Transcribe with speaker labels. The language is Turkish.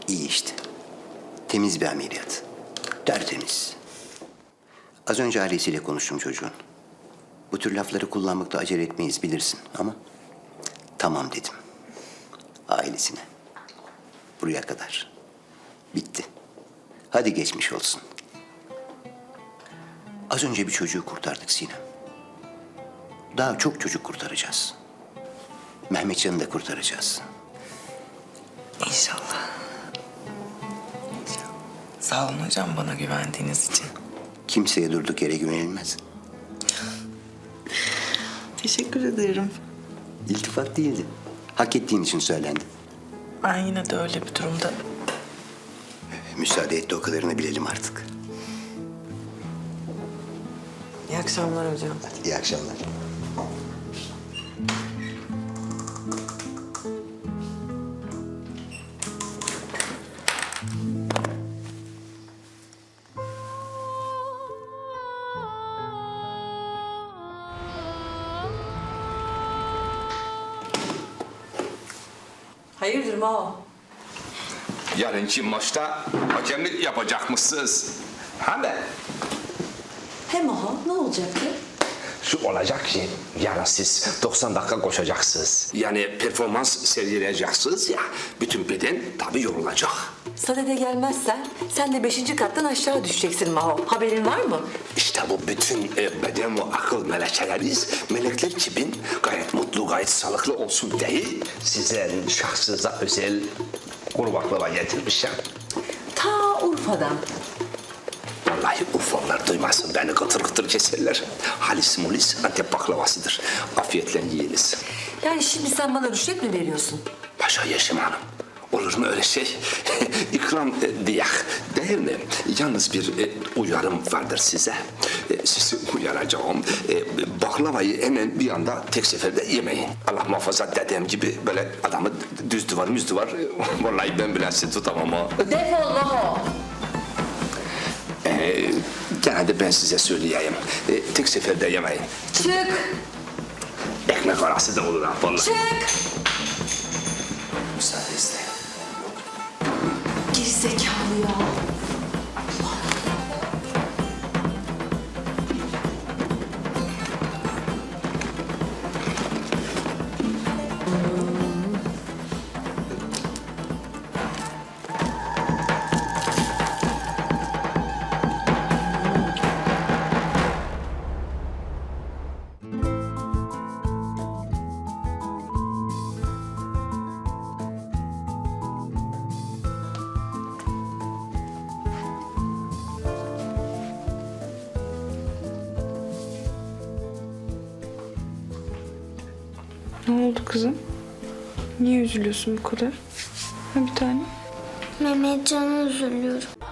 Speaker 1: İyi işte. Temiz bir ameliyat. Tertemiz. Az önce ailesiyle konuştum çocuğun. Bu tür lafları kullanmakta acele etmeyiz bilirsin ama... Tamam dedim. Ailesine. Buraya kadar. Bitti. Hadi geçmiş olsun. Az önce bir çocuğu kurtardık Sinem. Daha çok çocuk kurtaracağız. Mehmetcan'ı da kurtaracağız.
Speaker 2: İnşallah. İnşallah. Sağ olun hocam bana güvendiğiniz için.
Speaker 1: Kimseye durduk yere güvenilmez.
Speaker 2: Teşekkür ederim.
Speaker 1: İltifat değildi. Hak ettiğin için söylendi.
Speaker 2: Ben yine de öyle bir durumda...
Speaker 1: Müsaade et de o kadarını bilelim artık.
Speaker 2: İyi akşamlar hocam.
Speaker 1: İyi akşamlar.
Speaker 3: Hayırdır Mao?
Speaker 4: Yarınki maçta hakemlik yapacakmışsınız. Hem de
Speaker 3: He Maho, ne olacaktı?
Speaker 5: Şu olacak ki yarın siz 90 dakika koşacaksınız.
Speaker 4: yani performans sergileyeceksiniz ya, bütün beden tabii yorulacak.
Speaker 3: Sadede gelmezsen sen de 5. kattan aşağı düşeceksin Maho. Haberin var mı?
Speaker 4: İşte bu bütün beden ve akıl melekeleriz. Melekler gibi gayet mutlu, gayet sağlıklı olsun değil.
Speaker 5: Size şahsınıza özel kuru baklava getirmişim.
Speaker 3: Ta Urfa'dan.
Speaker 4: Vallahi Urfalılar duymasın, beni kıtır kıtır keserler. Halis mulis Antep baklavasıdır. Afiyetle yiyiniz.
Speaker 3: Yani şimdi sen bana rüşvet mi veriyorsun?
Speaker 4: Paşa Yeşim Hanım. Olur mu öyle şey? İkram diyak değil mi? Yalnız bir uyarım vardır size. Sizi uyaracağım. Baklavayı hemen bir anda tek seferde yemeyin. Allah muhafaza dedem gibi böyle adamı düz duvar müz duvar. Vallahi ben bile sizi tutamam ha.
Speaker 3: Defol Maho.
Speaker 4: Gene de ben size söyleyeyim. Tek seferde yemeyin.
Speaker 3: Çık.
Speaker 4: Ekmek arası da olur ha vallahi.
Speaker 3: Çık.
Speaker 4: Müsaadenizle.
Speaker 3: Gerizekalı ya.
Speaker 6: Ne oldu kızım? Niye üzülüyorsun bu kadar? Ha bir tane?
Speaker 7: Mehmetcan'a üzülüyorum.